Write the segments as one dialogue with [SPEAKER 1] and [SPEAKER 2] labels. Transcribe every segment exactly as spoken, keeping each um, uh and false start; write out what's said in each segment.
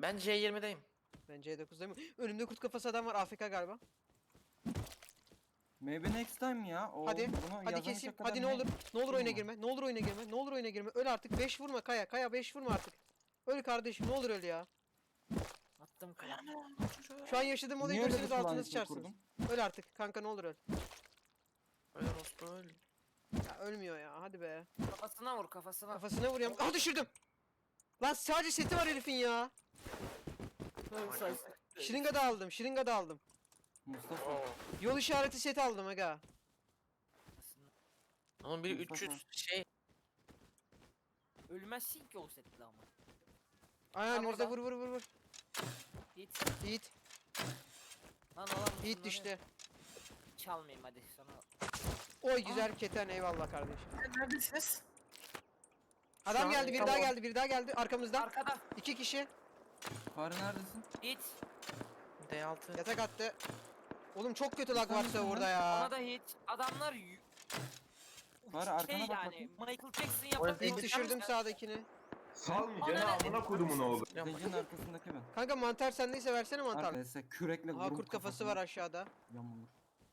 [SPEAKER 1] Ben C yirmideyim.
[SPEAKER 2] Ben C dokuzdayım. Önümde kurt kafası adam var. A F K galiba.
[SPEAKER 3] Maybe next time ya. O,
[SPEAKER 2] Hadi.
[SPEAKER 3] bunu
[SPEAKER 2] Hadi
[SPEAKER 3] yazamayacak
[SPEAKER 2] keseyim.
[SPEAKER 3] kadar
[SPEAKER 2] Hadi ne olur. Ne olur
[SPEAKER 3] şey
[SPEAKER 2] oyuna
[SPEAKER 3] mi var?
[SPEAKER 2] girme. Ne olur oyuna girme. Ne olur oyuna girme. Öl artık. beş vurma Kaya. Kaya beş vurma artık. Öl kardeşim. Ne olur öl ya.
[SPEAKER 4] Attım kaya.
[SPEAKER 2] Şu an yaşadığım olayı
[SPEAKER 3] Niye öyle
[SPEAKER 2] görseniz
[SPEAKER 3] bir
[SPEAKER 2] altına
[SPEAKER 3] plan
[SPEAKER 2] sıçarsınız.
[SPEAKER 3] kurdun?
[SPEAKER 2] Öl artık. Kanka ne olur öl.
[SPEAKER 1] Öyle Rospu öl.
[SPEAKER 2] Ya ölmüyor ya. Hadi be.
[SPEAKER 4] Kafasına vur kafasına.
[SPEAKER 2] Kafasına vuruyorum. Ah düşürdüm. Lan sadece seti var herifin ya. Şırınga da aldım. Şırınga da aldım.
[SPEAKER 3] Mustafa.
[SPEAKER 1] Oo.
[SPEAKER 2] Yol işareti seti aldım aga.
[SPEAKER 1] Onun biri
[SPEAKER 3] Mustafa.
[SPEAKER 1] üç yüz şey.
[SPEAKER 4] Ölmezsin ki o setle ama.
[SPEAKER 2] Ayağın
[SPEAKER 4] Tam
[SPEAKER 2] önünüzde
[SPEAKER 4] orada.
[SPEAKER 2] vur vur vur vur.
[SPEAKER 4] Git.
[SPEAKER 2] Yiğit.
[SPEAKER 4] Lan olan
[SPEAKER 2] Yiğit düştü.
[SPEAKER 4] Çalmayayım hadi sana.
[SPEAKER 2] Oy güzel keten eyvallah kardeşim.
[SPEAKER 1] Neredesiniz?
[SPEAKER 2] Adam
[SPEAKER 1] an
[SPEAKER 2] geldi, biri
[SPEAKER 1] tamam.
[SPEAKER 2] daha geldi, biri daha geldi arkamızdan.
[SPEAKER 4] Arkada.
[SPEAKER 2] İki kişi
[SPEAKER 3] Fare neredesin?
[SPEAKER 4] Git.
[SPEAKER 1] D altı.
[SPEAKER 2] yatak attı. Oğlum çok kötü lag
[SPEAKER 3] Sen
[SPEAKER 2] var
[SPEAKER 3] misin
[SPEAKER 2] burada
[SPEAKER 4] Ona
[SPEAKER 2] ya.
[SPEAKER 4] da hit. Adamlar y-
[SPEAKER 3] Fare arkana
[SPEAKER 4] şey
[SPEAKER 3] bak
[SPEAKER 4] yani
[SPEAKER 3] bakayım.
[SPEAKER 4] Michael Jackson
[SPEAKER 1] O
[SPEAKER 4] yapabilir.
[SPEAKER 2] İlk düşürdüm sağdakini.
[SPEAKER 5] Salmayacaksın ha, amına kodumun oğlu.
[SPEAKER 3] Zencinin arkasındaki ben.
[SPEAKER 2] Kanka mantar sendeyse versene mantar.
[SPEAKER 3] Arkadaşlar kürekle
[SPEAKER 2] Aha
[SPEAKER 3] vurup
[SPEAKER 2] kurt kafası
[SPEAKER 3] kafasına
[SPEAKER 2] var aşağıda.
[SPEAKER 3] Yamulur.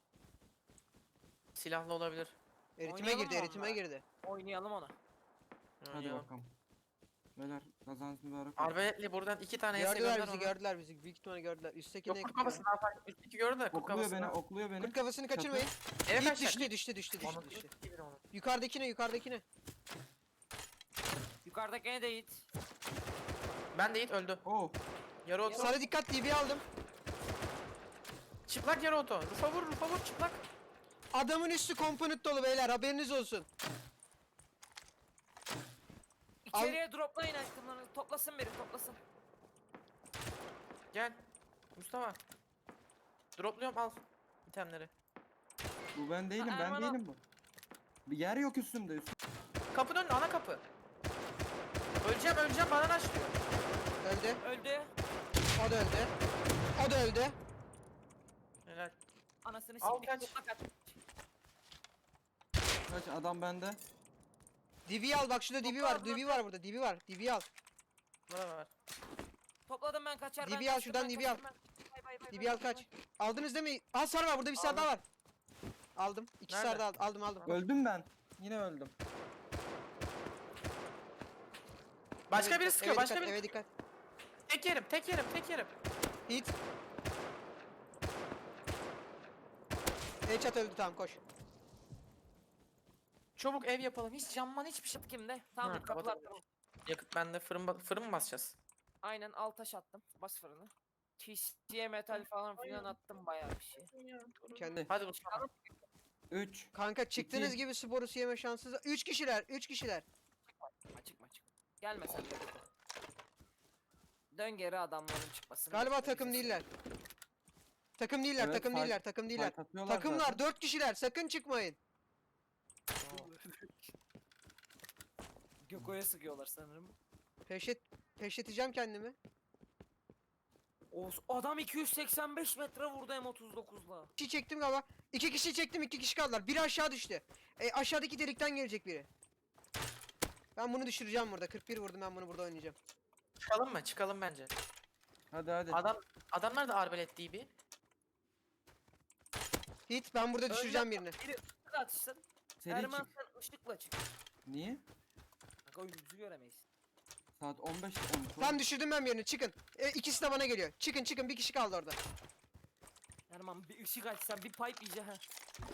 [SPEAKER 1] Silahlı olabilir.
[SPEAKER 2] Eritime
[SPEAKER 4] Oynayalım
[SPEAKER 2] girdi,
[SPEAKER 4] mı
[SPEAKER 2] eritime
[SPEAKER 4] onunla?
[SPEAKER 2] girdi.
[SPEAKER 4] Oynayalım onu.
[SPEAKER 3] Hadi
[SPEAKER 1] Oynayalım.
[SPEAKER 3] bakalım. Beyler kazanız mübarek olsun.
[SPEAKER 1] Arbeletli buradan iki tane S
[SPEAKER 2] Gördüler
[SPEAKER 1] gönder
[SPEAKER 2] bizi,
[SPEAKER 1] ona.
[SPEAKER 2] gördüler bizi. Büyük ihtimalle gördüler. Üsttekine
[SPEAKER 1] Yok kurt kafası daha farklı. Üstteki gördü de kurt
[SPEAKER 3] Okluyor
[SPEAKER 1] kafası
[SPEAKER 3] beni,
[SPEAKER 1] daha-
[SPEAKER 3] okluyor beni.
[SPEAKER 2] Kurt kafasını kaçırmayın.
[SPEAKER 1] Eve
[SPEAKER 2] Yiğit
[SPEAKER 1] kaçacak.
[SPEAKER 2] düştü, düştü, düştü, düştü,
[SPEAKER 1] Onu
[SPEAKER 2] düştü.
[SPEAKER 1] bilir onu.
[SPEAKER 2] Yukarıdakine, yukarıdakine.
[SPEAKER 4] Yukarıdakine de hit.
[SPEAKER 1] Ben de Yiğit öldü.
[SPEAKER 3] Oh.
[SPEAKER 1] Yarı oto.
[SPEAKER 2] Sana dikkat D B aldım.
[SPEAKER 1] Çıplak yarı oto. Rufa vur, rufa vur çıplak.
[SPEAKER 2] Adamın üstü komponent dolu beyler, haberiniz olsun.
[SPEAKER 4] İçeriye droplayın aşkımlarını. Toplasın biri toplasın.
[SPEAKER 1] Gel. Mustafa. Dropluyorum al. İtemleri.
[SPEAKER 3] Bu ben değilim,
[SPEAKER 4] Ha,
[SPEAKER 3] ben
[SPEAKER 4] Erman o.
[SPEAKER 3] değilim bu. Bir yer yok üstümde. Üst.
[SPEAKER 1] Kapının önünde ana kapı. Öleceğim öleceğim bana aç diyor.
[SPEAKER 2] Öldü.
[SPEAKER 4] Öldü.
[SPEAKER 2] O da öldü. O da öldü.
[SPEAKER 1] Helal.
[SPEAKER 4] Anasını
[SPEAKER 1] Al
[SPEAKER 4] siktik.
[SPEAKER 1] kaç.
[SPEAKER 4] Topla kaç.
[SPEAKER 3] Kaç adam bende.
[SPEAKER 2] D B al bak, şurada D B var. D B var burada. D B var. D B al.
[SPEAKER 1] Bana ver.
[SPEAKER 4] Topladım ben kaçar.
[SPEAKER 2] D
[SPEAKER 4] ben
[SPEAKER 2] B al
[SPEAKER 4] kaçtım,
[SPEAKER 2] şuradan,
[SPEAKER 4] ben
[SPEAKER 2] D B al.
[SPEAKER 4] kaçtım, ben- Bay bay bay
[SPEAKER 2] D
[SPEAKER 4] bay
[SPEAKER 2] B al
[SPEAKER 4] bay
[SPEAKER 2] kaç.
[SPEAKER 4] bay.
[SPEAKER 2] Aldınız değil mi? Aa sar var burada, bir sar
[SPEAKER 1] Aldım.
[SPEAKER 2] daha var. Aldım. İki
[SPEAKER 1] Nerede?
[SPEAKER 2] sar daha aldım, aldım aldım.
[SPEAKER 3] Öldüm ben. Yine öldüm.
[SPEAKER 1] Başka
[SPEAKER 2] Eve
[SPEAKER 1] biri
[SPEAKER 2] dikkat,
[SPEAKER 1] sıkıyor
[SPEAKER 2] eve
[SPEAKER 1] başka
[SPEAKER 2] dikkat,
[SPEAKER 1] biri.
[SPEAKER 2] Eve dikkat.
[SPEAKER 1] Tek yerim tek yerim tek yerim.
[SPEAKER 2] Hit. Headshot öldü, tamam koş.
[SPEAKER 1] Çabuk ev yapalım. Hiç camman hiçbir şey.
[SPEAKER 4] Kimde? Tamam
[SPEAKER 1] Ha,
[SPEAKER 4] dur kapılar
[SPEAKER 1] kapatalım.
[SPEAKER 4] tamam.
[SPEAKER 1] Yakıt bende fırın ba- fırın mı basacağız?
[SPEAKER 4] Aynen al taş attım. Bas fırını. T C'ye metal falan filan attım bayağı bir şey.
[SPEAKER 2] Kendi.
[SPEAKER 1] Hadi Mustafa.
[SPEAKER 3] üç.
[SPEAKER 2] Kanka çıktığınız
[SPEAKER 3] İki.
[SPEAKER 2] gibi sporu yeme şanssız. Üç kişiler, üç kişiler.
[SPEAKER 4] Açık açık. Gelme sen de. Dön geri adamların çıkmasını.
[SPEAKER 2] Galiba
[SPEAKER 4] bekle,
[SPEAKER 2] takım
[SPEAKER 4] bize
[SPEAKER 2] değiller. Takım değiller,
[SPEAKER 3] Evet,
[SPEAKER 2] takım
[SPEAKER 3] fight-
[SPEAKER 2] değiller, takım değiller.
[SPEAKER 3] fight atıyorlar
[SPEAKER 2] Takımlar
[SPEAKER 3] zaten.
[SPEAKER 2] dört kişiler, sakın çıkmayın.
[SPEAKER 4] söyle. Göko'ya sıkıyorlar sanırım.
[SPEAKER 2] Peşet, peşleteceğim kendimi.
[SPEAKER 4] O adam iki yüz seksen beş metre vurdu M otuz dokuzla.
[SPEAKER 2] İki kişi çektim galiba. İki kişi çektim, iki kişi kaldılar. Biri aşağı düştü. E, aşağıdaki delikten gelecek biri. Ben bunu düşüreceğim burada. kırk bir vurdum, ben bunu burada oynayacağım.
[SPEAKER 1] Çıkalım mı? Çıkalım bence.
[SPEAKER 3] Hadi hadi.
[SPEAKER 1] Adam adamlar da arbelet değil bir.
[SPEAKER 2] Hit, ben burada düşüreceğim birini.
[SPEAKER 4] Biri ışıkla atışsın.
[SPEAKER 3] Seri
[SPEAKER 4] Erman
[SPEAKER 3] çık.
[SPEAKER 4] sen ışıkla çık.
[SPEAKER 3] Niye?
[SPEAKER 4] Bak o yüzü göremeyiz.
[SPEAKER 3] Saat on beş on.
[SPEAKER 2] Tam düşürdüm ben birini, çıkın. E, ikisi de bana geliyor. Çıkın çıkın, bir kişi kaldı orada.
[SPEAKER 4] Erman bir ışık açsan bir pipe iyice ha.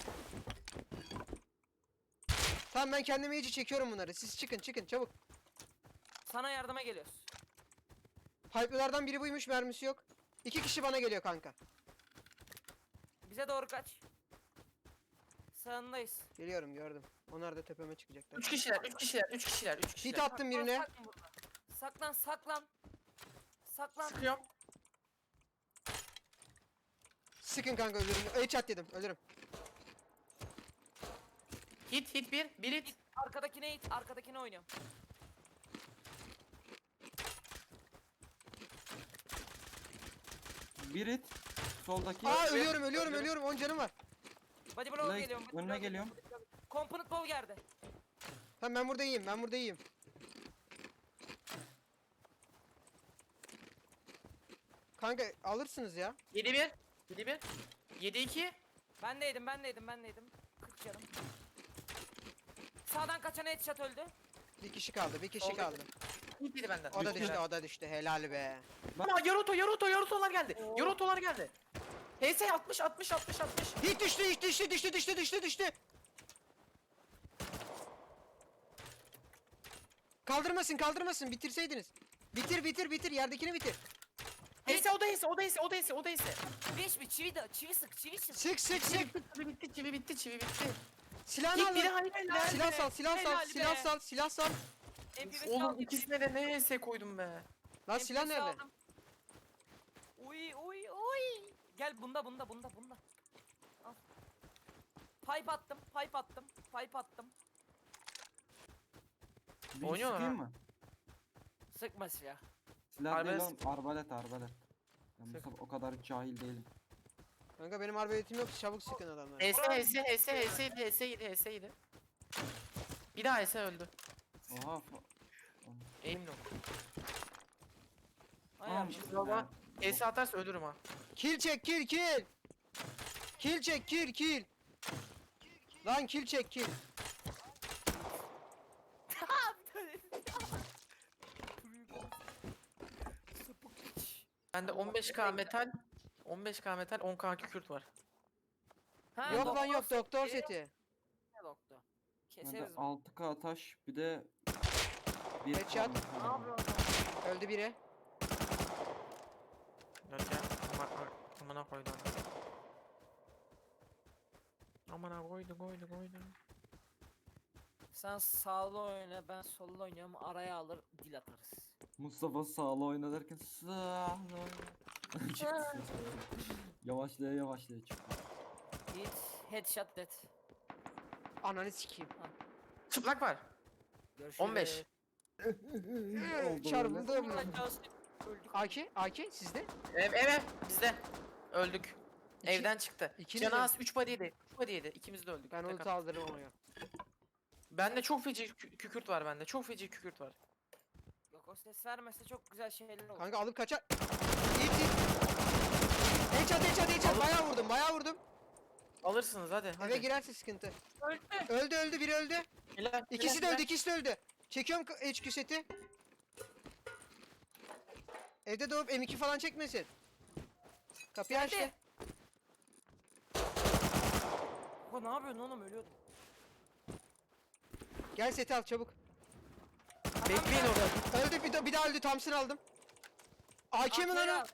[SPEAKER 2] Tamam, ben kendime iyice çekiyorum bunları. Siz çıkın çıkın çabuk.
[SPEAKER 4] Sana yardıma geliyoruz.
[SPEAKER 2] Pipe'lardan biri buymuş, mermisi yok. İki kişi bana geliyor kanka.
[SPEAKER 4] Bize doğru kaç. Sağındayız.
[SPEAKER 2] Geliyorum, gördüm. Onlar da tepeme çıkacaklar.
[SPEAKER 1] Üç kişiler, üç kişiler, üç kişiler, üç
[SPEAKER 2] Hit
[SPEAKER 1] kişiler.
[SPEAKER 2] attım birine.
[SPEAKER 4] Saklan burada. Saklan saklan. Saklan.
[SPEAKER 1] Sıkıyorum.
[SPEAKER 2] Sıkın kanka, ölürüm. Headshot dedim, ölürüm.
[SPEAKER 1] Hit, hit bir, bir hit.
[SPEAKER 4] Arkadakine it. Arkadakine oynuyorum.
[SPEAKER 3] Bir it. Soldaki.
[SPEAKER 2] Aa ölüyorum, ölüyorum, ölüyorum. on canım var.
[SPEAKER 4] Body blow
[SPEAKER 3] Like,
[SPEAKER 4] geliyorum. body
[SPEAKER 3] önüne
[SPEAKER 4] blow
[SPEAKER 3] geliyorum.
[SPEAKER 4] Component blow geldi.
[SPEAKER 2] Tamam, ben burada iyiyim, ben burada iyiyim. Kanka alırsınız ya.
[SPEAKER 1] yedi bir. yedi bir. yedi iki.
[SPEAKER 4] Ben deydim ben deydim ben deydim. kırk canım. Sağdan kaçan headshot öldü.
[SPEAKER 2] Bir kişi kaldı, bir kişi
[SPEAKER 1] Oldu.
[SPEAKER 2] kaldı.
[SPEAKER 1] İlk biri benden.
[SPEAKER 2] O da
[SPEAKER 1] Üç
[SPEAKER 2] düştü,
[SPEAKER 1] biri.
[SPEAKER 2] o da düştü. Helal be.
[SPEAKER 1] Ama Yaruto Yaruto Yaruto'lar geldi.
[SPEAKER 4] Oo.
[SPEAKER 1] Yaruto'lar geldi. H S altmış altmış altmış altmış.
[SPEAKER 2] Hit düştü, hit düştü, düştü, düştü, düştü, düştü. Kaldırmasın, kaldırmasın. Bitirseydiniz. Bitir, bitir, bitir. Yerdekini bitir.
[SPEAKER 1] H S o da H S o da H S o da H S o da H S.
[SPEAKER 4] Beş mi? Çivi de çivi sık çivi sık.
[SPEAKER 2] Sık, sık, sık.
[SPEAKER 1] Çivi bitti çivi bitti çivi bitti.
[SPEAKER 2] Silahını
[SPEAKER 1] İlk
[SPEAKER 2] al.
[SPEAKER 1] biri
[SPEAKER 2] lan.
[SPEAKER 1] hayır helal
[SPEAKER 2] Silah
[SPEAKER 1] be.
[SPEAKER 2] sal, silah sal,
[SPEAKER 4] Helal
[SPEAKER 2] silah
[SPEAKER 4] be.
[SPEAKER 2] sal, silah sal.
[SPEAKER 4] M P beş
[SPEAKER 1] Oğlum
[SPEAKER 4] aldım.
[SPEAKER 1] ikisine de ne H S koydum be.
[SPEAKER 2] Lan silah
[SPEAKER 4] M P beş
[SPEAKER 2] nerede?
[SPEAKER 4] aldım. Uy uy uy. Gel bunda bunda bunda bunda. Al. Pipe attım, pipe attım, pipe attım.
[SPEAKER 3] Bir
[SPEAKER 1] Oynuyorlar
[SPEAKER 3] sıkayım
[SPEAKER 1] ha.
[SPEAKER 3] mı?
[SPEAKER 4] Sıkma silah.
[SPEAKER 3] Silah değil
[SPEAKER 1] Arbalet.
[SPEAKER 3] oğlum. Arbalet arbalet. Ben
[SPEAKER 1] Sık.
[SPEAKER 3] Mustafa o kadar cahil değilim.
[SPEAKER 2] Kanka benim arbaletim yok. Çabuk sıkın adamları.
[SPEAKER 1] H S H S H S H S yedi H S yedi H S yedi. Bir daha H S öldü.
[SPEAKER 3] Oha. fa-
[SPEAKER 1] Eğim yok.
[SPEAKER 4] Ay
[SPEAKER 3] Tamam,
[SPEAKER 4] abi.
[SPEAKER 3] işte
[SPEAKER 1] Baba
[SPEAKER 3] ya.
[SPEAKER 1] H S atarsa ölürüm ha.
[SPEAKER 2] Kill çek, kill, kill. Kill çek, kill, kill. Lan kill çek, kill.
[SPEAKER 1] Bende on beş K metal, on beş K metal, on K kükürt var.
[SPEAKER 4] Ha,
[SPEAKER 2] Yok lan yok,
[SPEAKER 4] seti.
[SPEAKER 2] doktor seti.
[SPEAKER 4] Ne doktor?
[SPEAKER 3] Bende
[SPEAKER 4] Keseriz.
[SPEAKER 3] altı K taş bir de bir
[SPEAKER 2] Headshot.
[SPEAKER 3] tane
[SPEAKER 4] Ne
[SPEAKER 3] falan.
[SPEAKER 4] yapıyorsun?
[SPEAKER 2] Öldü biri.
[SPEAKER 1] Yok ya. Bak bak. Amına koydu onu. Amına koydu koydu koydu.
[SPEAKER 4] Sen sağlı oyna, ben sollu oynuyorum. Araya alır, dil atarız.
[SPEAKER 3] Mustafa sağlı oyna derken sağlı oyna. Çıktı. Yavaşlaya yavaşlaya çıktı.
[SPEAKER 4] Hit, headshot dead.
[SPEAKER 2] Ananı sikeyim.
[SPEAKER 1] Çıplak var.
[SPEAKER 4] Görüşürüz.
[SPEAKER 1] on beş.
[SPEAKER 3] Oldu
[SPEAKER 2] Çarpıldım.
[SPEAKER 4] Uğraşacağız, öldük.
[SPEAKER 2] A K, A K sizde.
[SPEAKER 1] Ev ev ev. Bizde. Öldük.
[SPEAKER 2] İki-
[SPEAKER 1] Evden çıktı.
[SPEAKER 2] ikiniz
[SPEAKER 1] Canı
[SPEAKER 2] mi?
[SPEAKER 1] az üç body yedi. üç body yedi. İkimiz de öldük.
[SPEAKER 2] Ben
[SPEAKER 1] Tek
[SPEAKER 2] ulti
[SPEAKER 1] at.
[SPEAKER 2] aldırırım onu ya.
[SPEAKER 1] Bende çok feci kü- kükürt var bende. Çok feci kükürt var.
[SPEAKER 4] Yok o ses vermese çok güzel şeyler olur.
[SPEAKER 2] Kanka alıp kaçar. İyi iyi. Headshot, headshot, headshot.
[SPEAKER 1] Alın.
[SPEAKER 2] Bayağı vurdum, bayağı vurdum.
[SPEAKER 1] Alırsınız hadi. hadi.
[SPEAKER 2] Eve girerse sıkıntı.
[SPEAKER 4] Öldü.
[SPEAKER 2] Öldü, öldü, biri öldü.
[SPEAKER 1] Helal,
[SPEAKER 2] İkisi de
[SPEAKER 1] helal,
[SPEAKER 2] öldü, ikisi de öldü. Çekiyorum H Q seti. Evde doğup M iki falan çekmesin. Kapıyı
[SPEAKER 4] Geldi.
[SPEAKER 2] açtı.
[SPEAKER 4] Baba ne yapıyorsun oğlum, ölüyordum.
[SPEAKER 2] Gel seti al çabuk.
[SPEAKER 1] Bekleyin orada.
[SPEAKER 2] Öldü, bir, de, bir daha öldü. Thompson aldım. A K mi lan o?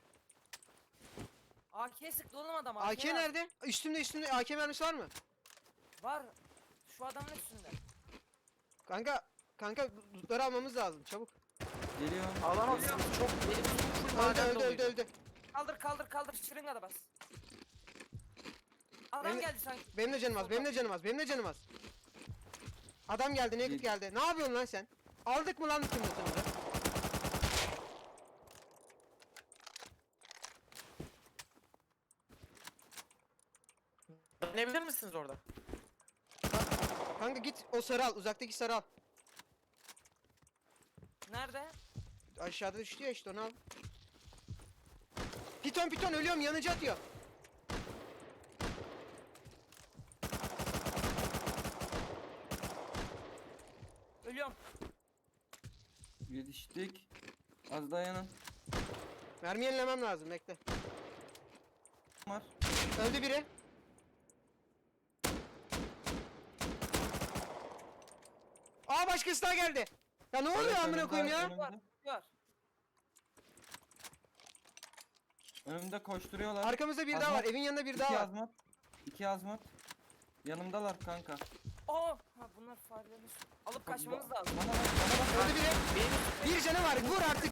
[SPEAKER 4] A K sıktı oğlum adam.
[SPEAKER 2] A K nerede? Üstümde, üstümde. A K mermisi var mı?
[SPEAKER 4] Var. Şu adamın üstünde.
[SPEAKER 2] Kanka, kanka lootları almamız lazım. Çabuk.
[SPEAKER 3] Geliyor.
[SPEAKER 1] Alamazsın. Çok elim full
[SPEAKER 2] Öldü,
[SPEAKER 1] maden
[SPEAKER 2] öldü, öldü,
[SPEAKER 1] doluydu.
[SPEAKER 2] öldü.
[SPEAKER 4] Kaldır kaldır kaldır, şırınga da bas. Adam
[SPEAKER 2] Benim-
[SPEAKER 4] geldi sanki.
[SPEAKER 2] Benim de canım az, benim de canım az, benim de canım az. Adam geldi, naked
[SPEAKER 3] Gel-
[SPEAKER 2] geldi. Ne yapıyorsun lan sen? Aldık mı lan bütün lootumuzu?
[SPEAKER 1] Dönebilir misiniz orada?
[SPEAKER 2] Kanka git o sarı al, uzaktaki sarı al.
[SPEAKER 4] Nerede?
[SPEAKER 2] Aşağıda düştü ya işte, onu al. Piton piton ölüyorum, yanıcı atıyor.
[SPEAKER 4] Ölüyorum.
[SPEAKER 3] Yetiştik. Az dayanın.
[SPEAKER 2] Mermi yenilemem lazım, bekle.
[SPEAKER 3] Var.
[SPEAKER 2] Öldü biri. Aa başkası daha geldi. Ya ne oluyor
[SPEAKER 3] Evet,
[SPEAKER 2] amına
[SPEAKER 3] önümde,
[SPEAKER 2] koyayım ya?
[SPEAKER 3] önümde.
[SPEAKER 4] Var. Var.
[SPEAKER 3] Önümde koşturuyorlar.
[SPEAKER 2] Arkamızda bir daha
[SPEAKER 3] Azmat.
[SPEAKER 2] var, evin yanında bir
[SPEAKER 3] İki
[SPEAKER 2] daha var.
[SPEAKER 3] azmat. İki azmat. Yanımdalar kanka.
[SPEAKER 4] Aa, ha bunlar farelerini alıp kaçmamız lazım.
[SPEAKER 3] Bana bak, bana bak.
[SPEAKER 2] Öldü biri.
[SPEAKER 1] Benim
[SPEAKER 2] Bir canı var, vur artık.